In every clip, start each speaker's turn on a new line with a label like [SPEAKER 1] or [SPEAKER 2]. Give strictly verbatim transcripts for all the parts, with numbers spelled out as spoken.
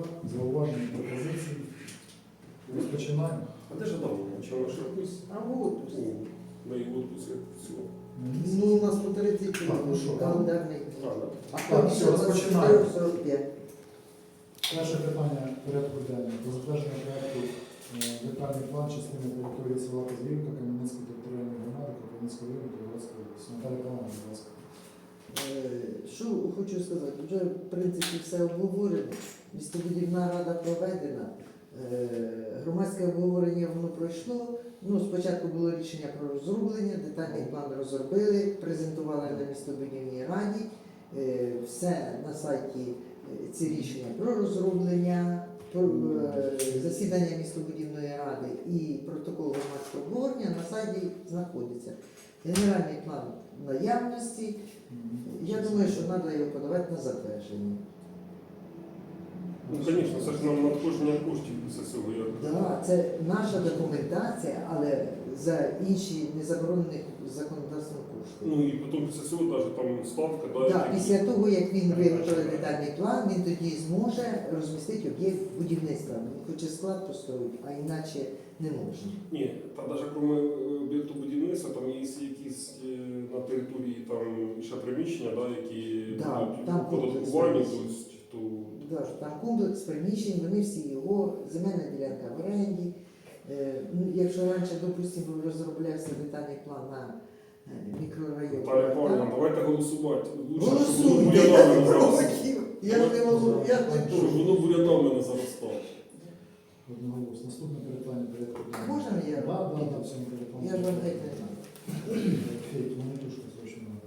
[SPEAKER 1] Зауваження, пропозиції. Розпочинаємо.
[SPEAKER 2] А де ж Адам? Чого ж якось?
[SPEAKER 3] А вот.
[SPEAKER 2] На його відпуск всього.
[SPEAKER 3] Ну, у нас по тридцять
[SPEAKER 1] Так, ну що,
[SPEAKER 3] календарний.
[SPEAKER 2] А, да.
[SPEAKER 3] А
[SPEAKER 1] Так,
[SPEAKER 3] там
[SPEAKER 1] все, розпочинаємо.
[SPEAKER 3] сорок п'ять.
[SPEAKER 1] Перше питання порядку денного. Про затвердження проєкту е, детальний план частини території села Козлівка, Кам'янецької територіальної громади, Кропивницького району, Кривоцької області. Наталя Павловна, будь ласка.
[SPEAKER 3] Е, Що хочу сказати, вже в принципі все обговорено, містобудівна рада проведена, е, громадське обговорення воно пройшло. Ну, спочатку було рішення про розроблення, детальний план розробили, презентували на містобудівній раді. Е, Все на сайті е, ці рішення про розроблення, про е, засідання містобудівної ради і протокол громадського обговорення на сайті знаходиться. Генеральний план наявності. Я думаю, що треба його подавати на затвердження.
[SPEAKER 2] Ну, звісно, це ж нам надходження коштів після цього. як.
[SPEAKER 3] Да, це наша документація, але за інші незаборонені законодавством кошти.
[SPEAKER 2] Ну і потім після цього навіть там ставка, да,
[SPEAKER 3] Да,
[SPEAKER 2] які-
[SPEAKER 3] після того, як він виготовить детальний план, він тоді зможе розмістити об'єкт будівництва. Він хоче склад построїти, а іначе не можна.
[SPEAKER 2] Ні, там навіть крім об'єкту будівництва, там є якісь е, на території там ще приміщення, да, які
[SPEAKER 3] Да,
[SPEAKER 2] будуть
[SPEAKER 3] там
[SPEAKER 2] оподатковані,
[SPEAKER 3] комплекс.
[SPEAKER 2] тобто, то
[SPEAKER 3] Да, там комплекс приміщень, вони всі його, земельна ділянка в оренді. Е, ну, якщо раніше, допустимо, розроблявся детальний план на е, мікрорайон.
[SPEAKER 2] Наталя Павлівна, давайте голосувати. Лучше, щоб воно
[SPEAKER 3] Голосуйте, я
[SPEAKER 2] бурянами
[SPEAKER 3] не
[SPEAKER 2] не заростало.
[SPEAKER 3] проти. Я ж не можу, я ж не
[SPEAKER 2] Щоб
[SPEAKER 3] проти.
[SPEAKER 2] воно бурянами не заростало.
[SPEAKER 1] Одноголосно. Наступне питання порядку денного.
[SPEAKER 3] Можна я?
[SPEAKER 1] Да, да, да, в цьому телефоні.
[SPEAKER 3] Я ж вам геть не знаю.
[SPEAKER 1] Фейт, монетушка срочно надо.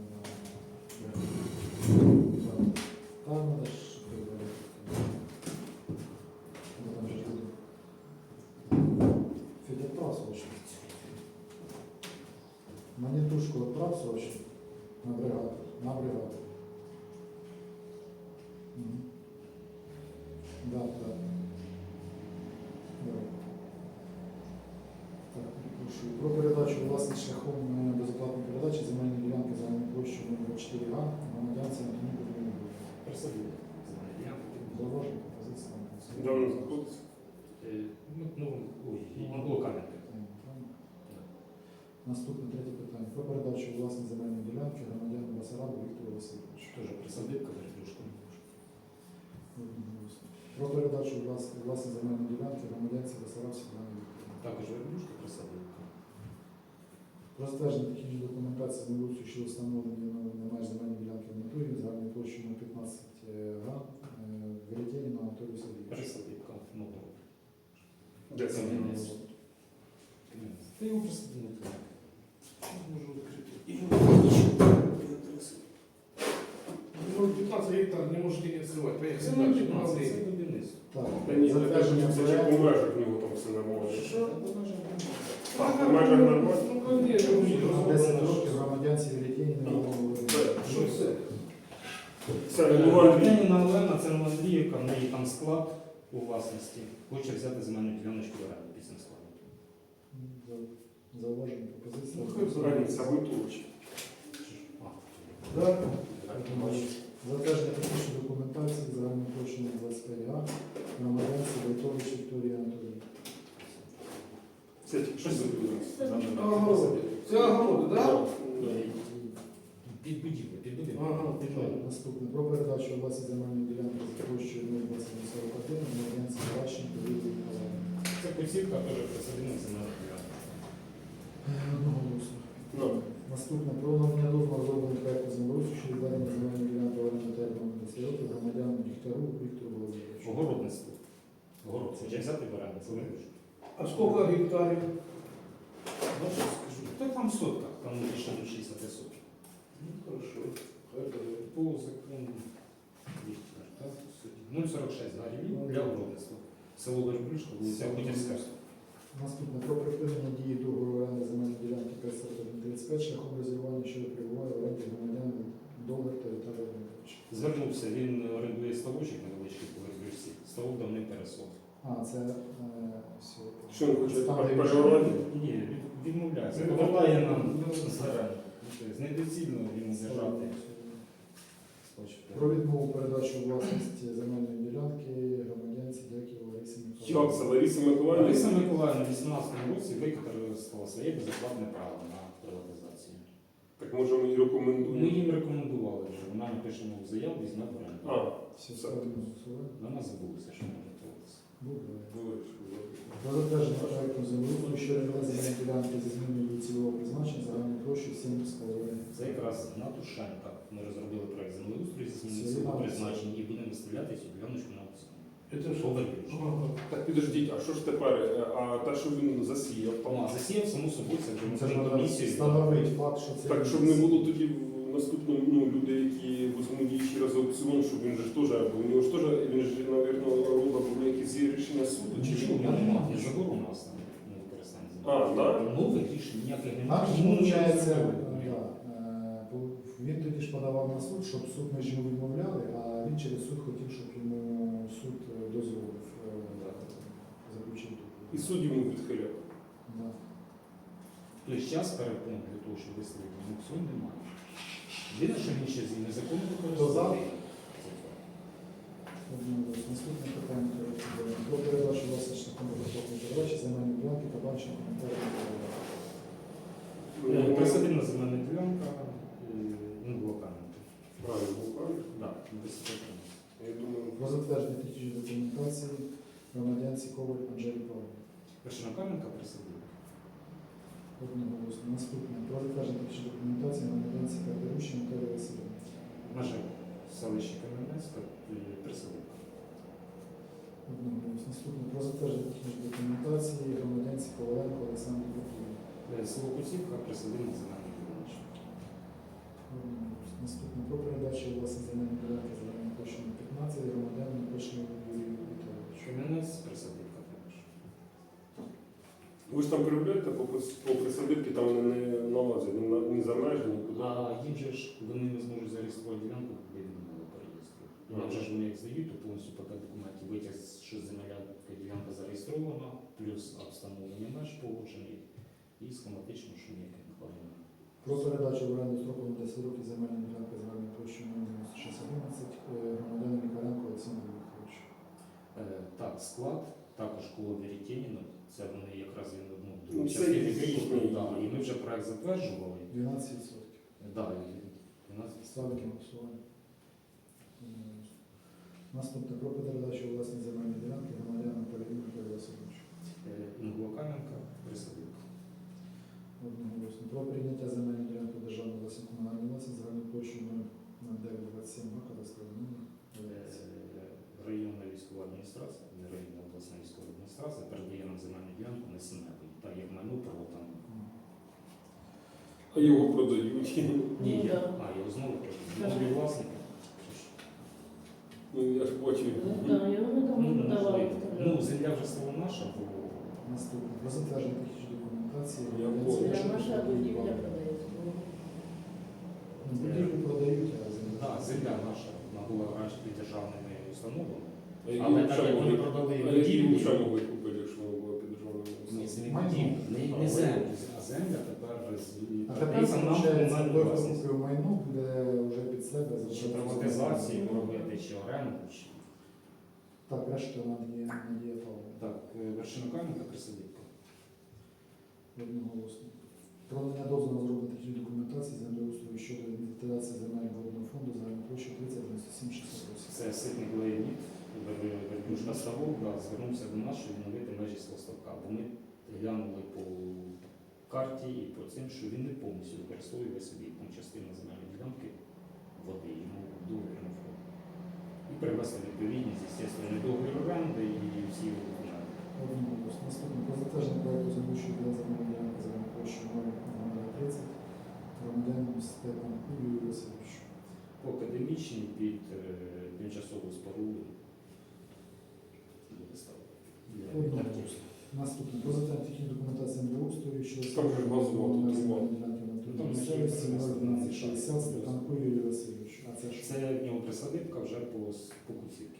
[SPEAKER 1] Там надо ж прибрати. Ну, там же люди. Федя, отправь срочно. Монетушку отправь срочно. На бригаду. На бригаду. Мгм. Да, да. Давай. Так, перепрошую. Про передачу власних шляхом е, безоплатної передачі земельної ділянки загальною площею номер чотири га громадянці Антоні Кузьмінову.
[SPEAKER 4] Присадили.
[SPEAKER 1] Зауваження, пропозиція.
[SPEAKER 2] Де воно знаходиться?
[SPEAKER 4] Ну, ну, ой, Англо Кам'янка.
[SPEAKER 1] Наступне третє питання. Про передачу власної земельної ділянки громадянину Басарабу Віктору Васильовичу.
[SPEAKER 4] Тоже присадибка, верхушка.
[SPEAKER 1] Одноголосно. Про передачу влас- власної земельної ділянки громадянці Басараб Світлані Вікторівні.
[SPEAKER 4] Також верхушка, присадибка.
[SPEAKER 1] Про затвердження технічної документації з вулицю, що встановлені на меж земельної ділянки в натурі загальною площею на п'ятнадцять га Веретєні на Анатолію Сергійовичу.
[SPEAKER 4] Присадибка. Нового.
[SPEAKER 2] Де це?
[SPEAKER 4] Кам'янець. Та його присадили. Можу відкрити.
[SPEAKER 5] Ну, пятнадцать гектар не можете не открывать. Поехали
[SPEAKER 4] Це не
[SPEAKER 5] дальше.
[SPEAKER 4] п'ятнадцять, це
[SPEAKER 5] Молодые.
[SPEAKER 4] будівництво.
[SPEAKER 1] Так,
[SPEAKER 2] Та ні,
[SPEAKER 1] затвердження
[SPEAKER 2] це ще по
[SPEAKER 1] проекту.
[SPEAKER 2] межах в нього там все нормально.
[SPEAKER 5] Что?
[SPEAKER 2] Так, по межах нормально?
[SPEAKER 5] Ну, конечно.
[SPEAKER 1] На десять років громадянці Веретєні на
[SPEAKER 5] Что это?
[SPEAKER 2] Це регулювальний.
[SPEAKER 4] Антоніна Олена, це Андріївка, в неї там склад у власності. Хоче взяти земельну діляночку в оренду після складу.
[SPEAKER 1] Зауваження, пропозиція.
[SPEAKER 5] Ну, хай
[SPEAKER 2] Границя витовчі.
[SPEAKER 5] Да.
[SPEAKER 1] Затвердження технічної документації загальною площею двадцять п'ять га громадянці Войтович Вікторії Анатоліївні.
[SPEAKER 2] Це тільки що забудується.
[SPEAKER 5] Огороды. Це огороды, да?
[SPEAKER 4] Під будівлю, під будівлю.
[SPEAKER 5] Ага.
[SPEAKER 1] Наступне. Про передачу власної земельної ділянки за площею нуль двадцять сорок один громадянці Ващенко Лілії Миколаївні.
[SPEAKER 4] Це посівка, теж присадина земельна ділянка.
[SPEAKER 1] Одноголосно.
[SPEAKER 2] Ну,
[SPEAKER 1] Наступне. Про надання дозволу розробленого проекту землеустрою щодо відведення земельної ділянки в оренду терміну десять років громадянину Дігтяру Віктору Володимировичу.
[SPEAKER 4] Огородництво. Огород хоче взяти в оренду, це вирішує.
[SPEAKER 5] А сколько гектарів?
[SPEAKER 4] Ну, що скажу? Та там сотка, там більше ніж шістдесят соток.
[SPEAKER 5] Ну, хорошо. Хай буде.
[SPEAKER 4] По закону нуль сорок шість гривень для огородництва. Село Верблюшка, вулиця Бутівська.
[SPEAKER 1] Наступне. Про припинення дії договору оренди земельної ділянки п'ять один тридцять п'ять шляхом розірвання, що перебуває в оренді громадянина Долар та Віталія Володимировича.
[SPEAKER 4] Звернувся, він орендує ставочок невеличкий по Верблюшці. Ставок давним пересох.
[SPEAKER 1] А, це е, все.
[SPEAKER 2] Що він хоче?
[SPEAKER 1] Там, де
[SPEAKER 2] Переорати?
[SPEAKER 4] Ні, від- відмовляється. Повертає нам з оренди. Недоцільно йому держати.
[SPEAKER 1] Про відмову передачу власності земельної ділянки громадянці
[SPEAKER 2] Як це Лариса Миколаївна?
[SPEAKER 4] Лариса Миколаївна в вісімнадцятому році використала своє безоплатне право на приватизацію.
[SPEAKER 2] Так може ми її
[SPEAKER 4] Ми
[SPEAKER 2] рекомендуємо.
[SPEAKER 4] їм рекомендували вже, вона напише нову заяву, візьме в оренду.
[SPEAKER 2] А,
[SPEAKER 1] Всі
[SPEAKER 2] Все.
[SPEAKER 1] ставлю на голосування.
[SPEAKER 4] Вона забулася, що може творитися.
[SPEAKER 1] Буде.
[SPEAKER 2] були.
[SPEAKER 1] Про затвердження проекту землеустрою щодо відведення ділянки зі зміною цільового призначення загальною площею сім з половиною.
[SPEAKER 4] Це якраз на Тушенка. Ми розробили проект землеустрою зі зміною
[SPEAKER 1] Це
[SPEAKER 4] цього
[SPEAKER 1] Іван
[SPEAKER 4] призначення і будемо виставляти цю діляночку на аукціон.
[SPEAKER 5] Это что?
[SPEAKER 4] Повернеш.
[SPEAKER 2] Так підождіть, а що ж тепер? Е, А те, що він засіяв
[SPEAKER 4] Ну,
[SPEAKER 2] там?
[SPEAKER 4] а засіяв, само собою, це вже
[SPEAKER 1] Це ж
[SPEAKER 4] ми
[SPEAKER 1] треба
[SPEAKER 4] комісію.
[SPEAKER 1] встановити факт, що це...
[SPEAKER 2] Так, щоб не було тоді в наступному ну, люди, які візьмуть її ще раз аукціон, щоб він же ж теж, бо у нього ж теж, він ж, мабуть, робить були якісь є рішення суду, чи
[SPEAKER 4] Нічого,
[SPEAKER 2] що?
[SPEAKER 4] я не мав, не забору у нас там на використання землі.
[SPEAKER 2] А, так?
[SPEAKER 4] Нових рішень ніяких
[SPEAKER 1] Нам
[SPEAKER 4] немає.
[SPEAKER 1] ж
[SPEAKER 4] тому ми
[SPEAKER 1] виходить,
[SPEAKER 4] не зробили.
[SPEAKER 1] він тоді ж подавав на суд, щоб суд ми ж йому відмовляли, а він через суд хотів, щоб йому суд е, дозволив е, заключити.
[SPEAKER 2] І суд йому відхиляв.
[SPEAKER 1] Да.
[SPEAKER 4] Тобто час перепон для того, щоб виставити на аукціон, немає. Єдине, що він ще з незаконно використовує.
[SPEAKER 1] Одноголосно. Наступне питання порядку денного. Про передачу власних шляхом безоплатної передачі земельної ділянки та банчим коментарів.
[SPEAKER 4] Е, Присадибна земельна ділянка, ну, блоканка.
[SPEAKER 2] Правильно, був правильно.
[SPEAKER 4] Так, високо.
[SPEAKER 2] Я думаю,
[SPEAKER 1] Про затвердження технічної документації громадянці Коваль Анжелі Павловні.
[SPEAKER 4] Першинокаменка присадибна.
[SPEAKER 1] Одноголосно. Наступне. Про затвердження технічної документації громадянці Катеруші Наталії Васильівни.
[SPEAKER 4] Наше селище Кам'янецька, е, присадибна.
[SPEAKER 1] Одноголосно. Наступне. Про затвердження технічної документації громадянці Коваленко Олександрі Петрівні.
[SPEAKER 4] Е, Село Куцівка, присадибна земельна ділянка.
[SPEAKER 1] Одноголосно. Наступне. Про передачу власної земельної ділянки загальною площею п'ятнадцять громадянам Пишному Юрію Віталійовичу.
[SPEAKER 4] Кам'янець, присадибка також.
[SPEAKER 2] ви ж там переробляєте по, прис- по присадибці, там вони не налазять, ні, на- ні за межі, нікуди.
[SPEAKER 4] А їм же ж вони не зможуть зареєструвати ділянку, коли він не переєструвати.
[SPEAKER 2] Ага.
[SPEAKER 4] Вже ж вони як здають, то повністю пакет документів витяг, що земля ділянка зареєстрована, плюс встановлення меж погоджений і схематично, що ніяких накладень немає.
[SPEAKER 1] Про передачу в оренду строково на десять років земельної ділянки загальною площею дев'яносто шість одинадцять громадянам Мікаренко Олександру Вікторовичу.
[SPEAKER 4] Е, Так, склад, також коло Веретєніна, це вони якраз він одну
[SPEAKER 2] Ну,
[SPEAKER 4] другу
[SPEAKER 2] це
[SPEAKER 4] частину
[SPEAKER 2] їхній.
[SPEAKER 4] викупили, да, і ми вже проект затверджували.
[SPEAKER 1] дванадцять відсотків.
[SPEAKER 4] Да, і дванадцять
[SPEAKER 1] Ставки голосування. Наступне. Про передачу власної земельної ділянки громадянам Полівіну Анатолію Васильовичу.
[SPEAKER 4] Інгулокаменка, присадибка.
[SPEAKER 1] Одноголосно. Про прийняття земельної ділянки державної власної комунальної власності загальною площею ноль дев'ять двадцять сім га кадастровий номер.
[SPEAKER 4] Районна військова адміністрація, не районна обласна військова адміністрація передає нам земельну ділянку на Сінепові. Так як майно право там.
[SPEAKER 2] А його продають.
[SPEAKER 4] Ні,
[SPEAKER 6] Ну,
[SPEAKER 4] я,
[SPEAKER 6] да.
[SPEAKER 4] а, його знову кажуть. Нові власники.
[SPEAKER 2] Ну, я ж бачив.
[SPEAKER 6] Ну, да, я не
[SPEAKER 4] Ну,
[SPEAKER 6] давно давала.
[SPEAKER 4] можливо. Ну, земля вже стала наша, бо
[SPEAKER 1] Наступне. Про затвердження технічної документації.
[SPEAKER 2] Я
[SPEAKER 1] громадянці
[SPEAKER 2] понял.
[SPEAKER 6] Для
[SPEAKER 1] Пишному
[SPEAKER 6] наша
[SPEAKER 1] Юрію
[SPEAKER 6] будівля
[SPEAKER 1] Павловичу.
[SPEAKER 6] продається.
[SPEAKER 1] Будівлю продають, а землю.
[SPEAKER 4] да, земля наша, вона була раніше під державними установами.
[SPEAKER 2] А які
[SPEAKER 4] Але так
[SPEAKER 2] взагалі
[SPEAKER 4] як вони
[SPEAKER 2] могли-
[SPEAKER 4] продали
[SPEAKER 2] а які
[SPEAKER 4] будівлю,
[SPEAKER 2] взагалі могли купити, якщо воно було під державною
[SPEAKER 4] ні, це не
[SPEAKER 1] Майно.
[SPEAKER 4] будівля, не,
[SPEAKER 2] А,
[SPEAKER 4] не
[SPEAKER 2] майно.
[SPEAKER 4] земля, а земля тепер з-
[SPEAKER 1] А тепер,
[SPEAKER 4] передається нам
[SPEAKER 1] виходить,
[SPEAKER 4] комунальну
[SPEAKER 1] той, хто
[SPEAKER 4] власність.
[SPEAKER 1] купив майно, буде вже під себе
[SPEAKER 4] Чи
[SPEAKER 1] залишатися.
[SPEAKER 4] приватизацію робити, чи оренду, чи
[SPEAKER 1] Так, решта надія, надія Павловна.
[SPEAKER 4] так, е, вершинокаменка присадибка.
[SPEAKER 1] Одноголосно. Про надання дозволу на розроблення технічної документації землеустрою щодо інвентаризації земельного водного фонду загальною площею тридцять дев'яносто сім шістдесят вісім.
[SPEAKER 4] Це ситник Леонід, Вербюшка Ставок, да, звернувся до нас, щоб відновити межі свого ставка. Бо ми глянули по карті і по цим, що він не повністю використовує собі там частину земельної ділянки води, йому договір не входить. І привести відповідність, звісно, не договір оренди і всі його документи.
[SPEAKER 1] Одноголосно. Наступне. Про затвердження проекту землющої для земельної ділянки загальною площею ноль тридцять громадянам Степану Юрію Васильовичу.
[SPEAKER 4] По академічній під е, тимчасову споруду буде ставити. Для
[SPEAKER 1] Одноголосно.
[SPEAKER 4] артистів.
[SPEAKER 1] Наступне. Про затвердження технічної документації землеустрою щодо
[SPEAKER 2] Там же ж газова
[SPEAKER 1] встановлення
[SPEAKER 2] тут
[SPEAKER 1] земельної
[SPEAKER 2] була.
[SPEAKER 1] ділянки на
[SPEAKER 4] Там
[SPEAKER 1] території
[SPEAKER 4] ще
[SPEAKER 1] місцевості
[SPEAKER 4] є
[SPEAKER 1] ноль дванадцять шістдесят Степанку Юрію Васильовичу. А це що?
[SPEAKER 4] Це в нього присадибка вже по, с- по Куцівці.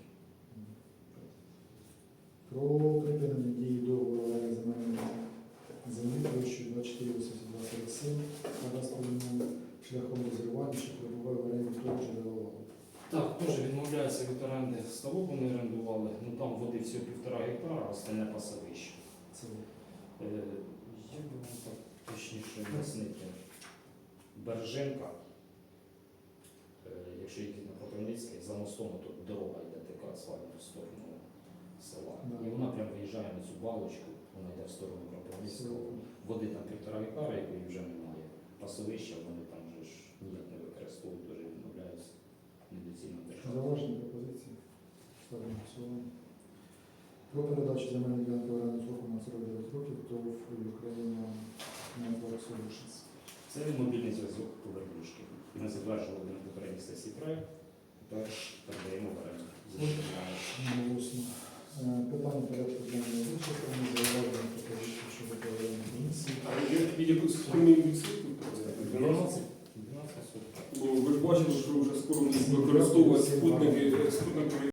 [SPEAKER 1] Про припинення дії договору оренди земельної землі площею двадцять чотири вісімдесят два сорок сім кадастровим номером шляхом розірвання, що перебуває в оренді того ж джерела.
[SPEAKER 4] Так, теж відмовляється від оренди ставок, вони орендували. Ну там води всього півтора гектара, а остальне пасовище.
[SPEAKER 1] Це
[SPEAKER 4] Е, Як би вам так точніше пояснити? Береженка, е, якщо їхати на Кропивницький, за мостом тут дорога йде така асфальтна в сторону села.
[SPEAKER 1] Да.
[SPEAKER 4] І вона прям виїжджає на цю балочку, вона йде в сторону Кропивницького. Води там півтора гектара, якої вже немає. Пасовища вони там вже ж ніяк не використовують, дуже відмовляються недоцільно держати.
[SPEAKER 1] зауваження пропозиції. Ставимо на голосування. Про передачу земельної ділянки в оренду сроком на сорок дев'ять років ТОВ Україна Network Solutions.
[SPEAKER 4] Це мобільний зв'язок по верблюшки. Ми затверджували на попередній сесії проект, тепер передаємо в оренду.
[SPEAKER 1] Голосно. Е, Питання порядку денного вичерпані, зауваження пропозиції щодо проведення комісії.
[SPEAKER 2] А є є якусь сумнів відсотку?
[SPEAKER 4] дванадцять дванадцять соток.
[SPEAKER 2] Бо ви ж бачили, що вже скоро будуть використовувати спутники, спутникові